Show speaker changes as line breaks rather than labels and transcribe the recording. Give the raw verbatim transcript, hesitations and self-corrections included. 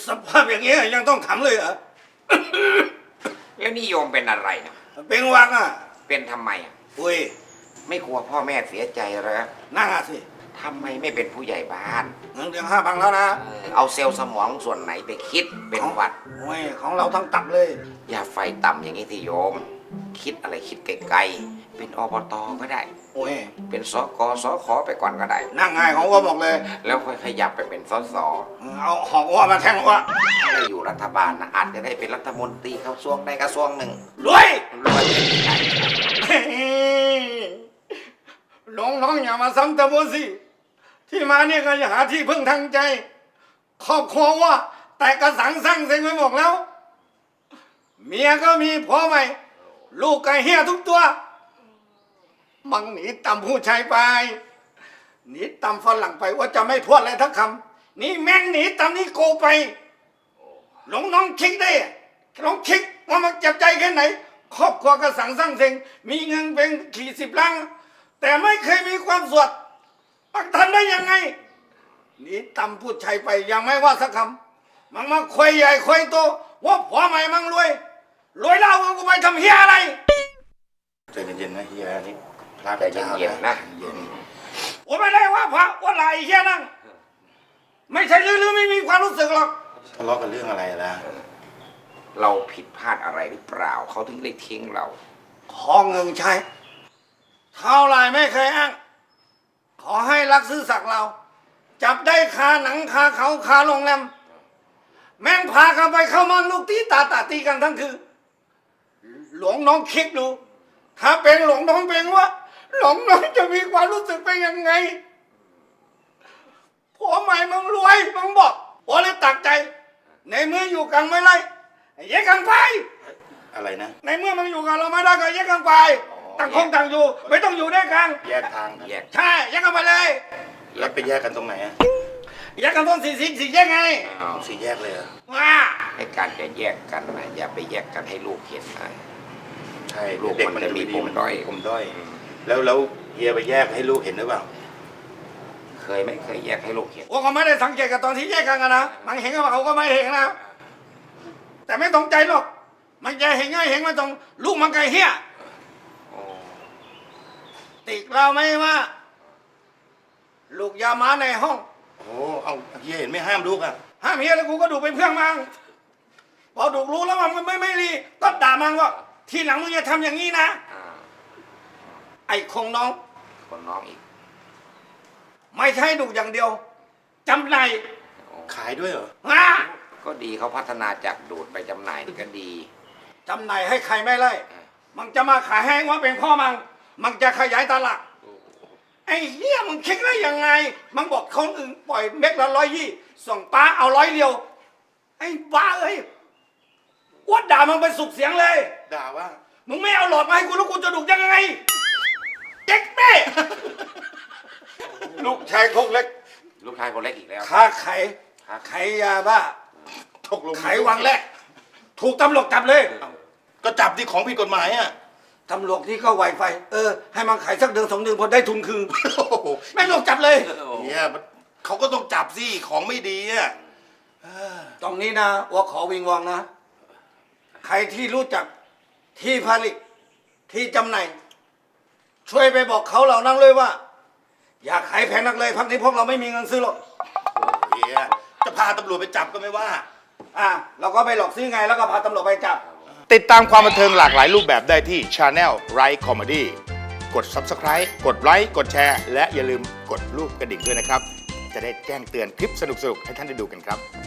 สภาพอย่างนี้ยังต้องทำเลยเหรอ
แล้วนิยมเป็นอะไรนะ
เป็นวังอ่ะ
เป็นทำไมอ่ะ
อุ้ย
ไม่กลัวพ่อแม่เสียใจเหรอ
น่าสิ
ทำไมไม่เป็นผู้ใหญ่บ้าน
เงินเดือนห้าพันแล้วนะ
เออเอาเซลล์สมองส่วนไหนไปคิดเป็นหวัด
โอ้ยของเราทั้งตับเลย
อย่าไฟต่ำอย่างนี้ที่โยม คิดอะไรคิดไกลๆเป็นอบตก็ได้
โอ้ย
เป็นสกสขไปก่อนก็ได้
นั่งง่ายของว่าบอกเลย
แล้วค่อยขยับไปเป็นสส
เอาหอกว่ามาแทงว่า
ถ้าอยู่รัฐบาลนะอาจจะได้เป็นรัฐมนตรีกระทรวงใดกระทรวงหนึ่ง
รวย
รวยเป็นใหญ่
น้องน้องอย่ามาซ้ำเติมสิที่มาเนี่ยก็อย่าหาที่พึ่งทางใจครอบครัวว่า แต่กระสังสร้างเซ็งไปหมดแล้ว เมียก็มีพ่อใหม่ ลูกก็เฮียทุกตัว มังหนีตำผู้ชายไปหนีตำฝรั่งไปว่าจะไม่พูดอะไรทักคำนี่แม่งหนีตำนี่โกไปหลงน้องคิดได้ลองคิดว่ามันเจ็บใจแค่ไหน ครอบครัวก็สั่งสร้างเซ็งมีเงินเป็นขี่สิบล้านแต่ไม่เคยมีความสุขมันทำได้ยังไงหนีตำผู้ชายไปยังไม่ว่าสักคำมันมาคุยใหญ่คุยโตว่าผัวใหม่มันรวยรวยแล้วกูไปทำเฮียอะไร
ใจเย็นๆนะเฮียนี่พระ
ใจเย็นๆนะ
เย็น
ผมไม่ได้ว่าพระว่าอะไรเฮียนั่งไม่ใช่ลือๆไม่มีความรู้สึกหรอก
ทะเลาะกันเรื่องอะไรล่ะ
เราผิดพลาดอะไรหรือเปล่าเขาถึงได้ทิ้งเรา
ขอเงินใช้เท่าไรไม่เคยอ้างขอให้รักซื่อสักเรา จับได้คาหนังคาเขาคาโรงแรมแม่งพากันไปเข้ามันลูกตีตาตาตีกันทั้งคืนหลวงน้องคิดดู ถ้าเป็นหลวงน้องเป็นว่า หลวงน้องจะมีความรู้สึกเป็นยังไงผัวใหม่มึงรวยมึงบอกผัวเลยตักใจ ในเมื่ออยู่กันไม่ไรแยกกันไป
อะไรนะ
ในเมื่อมันอยู่กับเราไม่ได้ก็แยกกันไปต่างคนต่างอยู่ ไม่ต้องอยู่ด้วยกัน
แยกทางกัน
แยก
ใช่แยกกันไปเลย
แล้วไปแยกกันตรงไหนอะ
แยกกันต้นสี่สิบสี่แยกไง
อ้าว
สี่แยกเลยเหรอ
ว้า
ให้การจะแยกกันนะอย่าไปแยกกันให้ลูกเห็นนะ
ใช่
ลูก
เด็ก
มั
มัน น
จะ
จะ
มี
มี
ปมด้อย
ผมด้อย แล้วแล้วเฮียไปแยกให้ลูกเห็นหรือเปล่า
เคยไม่เคยแยกให้ลูกเห็น
ว่าเขาไม่ได้สังเกตกับตอนที่แยกกันกันนะมันเห็นกับเขาก็ไม่เห็นนะแต่ไม่ตรงใจหรอกมันจะเห็นง่ายเห็นมันตรงลูกมันไกลเฮี้ย
โอ้
ติดเราไหม่ว่า ลูกอยามาในห้อง
โอ้เอาเฮียเห็นไม่ห้ามลูกอะ
ห้ามเฮียแล้วกูก็ดูเป็นเพื่อนมังพอดูรู้แล้วว่ามันไม่ไม่รีก็ด่ามันว่าทีหลังมึงอย่าทำอย่างนี้นะ
อ่า
ไอ้คงน้อง
คนน้องอีก
ไม่ใช่ดูอย่างเดียวจำใน
โอ้
ขายด้วยเหรอ
ฮะ
ก็ดีเขาพัฒนาจากดูดไปจำหน่ายนี่ก็ดี
จำในให้ใครไม่ไล่มันจะมาขายให้ว่าเป็นพ่อมังมันจะขยายตลาดไอ้เหี้ยมึงคิดได้ยังไงมันบอกคนอื่นปล่อยเม็ดละร้อยยี่ส่งป้าเอาร้อยเดียวไอ้บ้าเอ้ยอ้วดด่ามันไปสุกเสียงเลย
ด่าว่า
มึงไม่เอาหลอดมาให้กูแล้วกูจะดุยังไงเจ๊กแม่ ลูกชายคกเล็ก
ลูกชายคนเล็กอีกแล้ว
ค้าไข่ไข่ยาบ้า
ตกลง
ไขวังแรกถูกตำรวจจับเลย
ก็จับที่ของผิดกฎหมายอะ
ตำรวจที่ก็ไวไฟ เออ ให้มันขายสักเดือนสองเดือนพอได้ทุนคืน
โอ้โห
แม่งลงจับเลย
เฮียมันเขาก็ต้องจับสิของไม่ดีอะเออ
ตรงนี้นะว่าขอวิงวองนะ ใครที่รู้จักที่ผลิตที่จำหน่ายช่วยไปบอกเขาเหล่านั้นเลยว่า อย่าขายแพงนักเลยพักนี้พวกเราไม่มีเงินซื้อหรอก
เฮียจะพาตำรวจไปจับก็ไม่ว่า
อ่ะเราก็ไปหลอกซื้อไงแล้วก็พาตำรวจไปจับ
ติดตามความบันเทิงหลากหลายรูปแบบได้ที่ Channel Right Comedy กด Subscribe กดไลค์กดแชร์และอย่าลืมกดรูปกระดิ่งด้วยนะครับ จะได้แจ้งเตือนคลิปสนุกๆ ให้ท่านได้ดูกันครับ